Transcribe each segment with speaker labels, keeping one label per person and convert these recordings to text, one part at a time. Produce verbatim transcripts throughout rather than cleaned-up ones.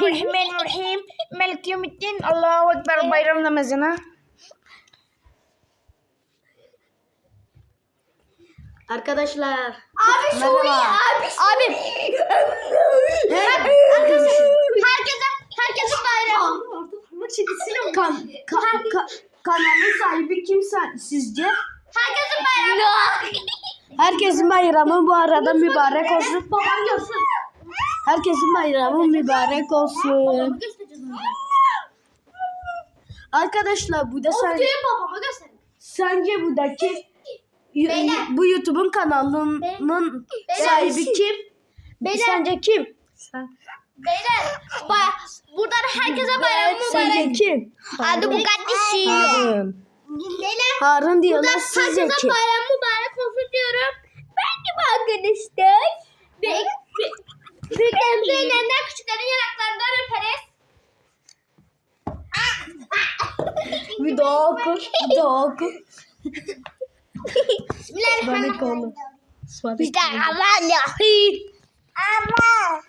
Speaker 1: Bismillahirrahmanirrahim. Melik yevmiddin. Allahu Ekber. Bayram namazına.
Speaker 2: Arkadaşlar.
Speaker 3: Abi Suriye, abi
Speaker 2: Abi.
Speaker 3: Herkese, herkese bayram.
Speaker 2: Kan, ka, ka, kanalın sahibi kim sen, sizce?
Speaker 3: Herkese bayram.
Speaker 2: Herkesin bayramı bu arada mübarek olsun.
Speaker 3: Babam görsün.
Speaker 2: Herkesin bayramı mübarek olsun. Arkadaşlar bu da sen,
Speaker 3: Videoyu babama gösterin.
Speaker 2: sence buradaki
Speaker 3: Beyler.
Speaker 2: bu YouTube'un kanalının
Speaker 3: Beyler.
Speaker 2: sahibi kim?
Speaker 3: Beyler.
Speaker 2: Sence kim?
Speaker 3: Beyler, baya, buradan herkese bayram
Speaker 2: Sence
Speaker 3: mübarek.
Speaker 2: kim?
Speaker 3: Adı bu kardeşim.
Speaker 2: Harun.
Speaker 3: Beyler,
Speaker 2: Harun diyorlar,
Speaker 3: buradan
Speaker 2: sizce
Speaker 3: herkese
Speaker 2: kim?
Speaker 3: bayram mübarek olsun diyorum. Ben gibi arkadaşlar. Ve büyüklerimizin ellerinden, küçüklerin yanaklarından öperiz.
Speaker 2: Bir daha oku. Bir daha oku.
Speaker 3: Bismillahirrahmanirrahim.
Speaker 2: Bismillahirrahmanirrahim.
Speaker 3: Ama.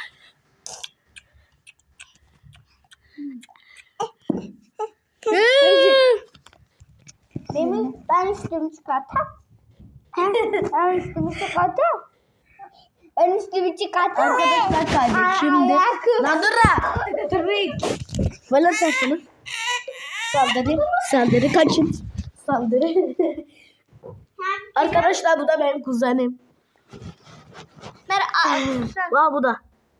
Speaker 3: Benim, ben üstümü çıkartam. Ben üstümü çıkartam. Ben üstümü çıkartam.
Speaker 2: Arkadaşlar kaydet şimdi. Lan dur ha. Böyle saçını. Saldırı. Saldırı kaçın. Saldırı. Arkadaşlar bu da benim kuzenim. Vah bu da.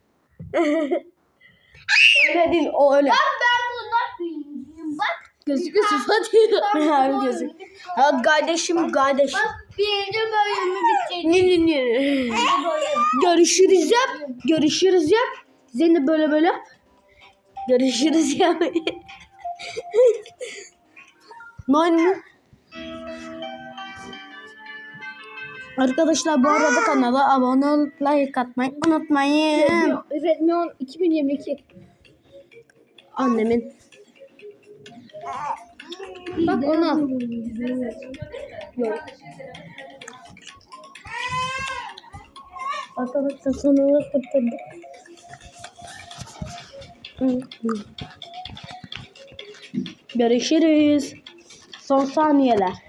Speaker 2: Öyle değil o öyle.
Speaker 3: Ben bundan büyüğüm. Bak.
Speaker 2: Gözüküyor sıfat. Abi gözük. Ha kardeşim kardeş.
Speaker 3: Bak birinci bölümü bitirdim.
Speaker 2: Ne ne ne. Görüşürüz yap. Görüşürüz yap. Seni böyle böyle. Görüşürüz yap. Ne? Arkadaşlar bu arada kanala abone olup like atmayı unutmayın.
Speaker 3: Redmi on iki bin yirmi iki.
Speaker 2: Annemin.
Speaker 3: Bak ona.
Speaker 2: Arkadaşlar sonuna kurtulduk. Görüşürüz. Son saniyeler.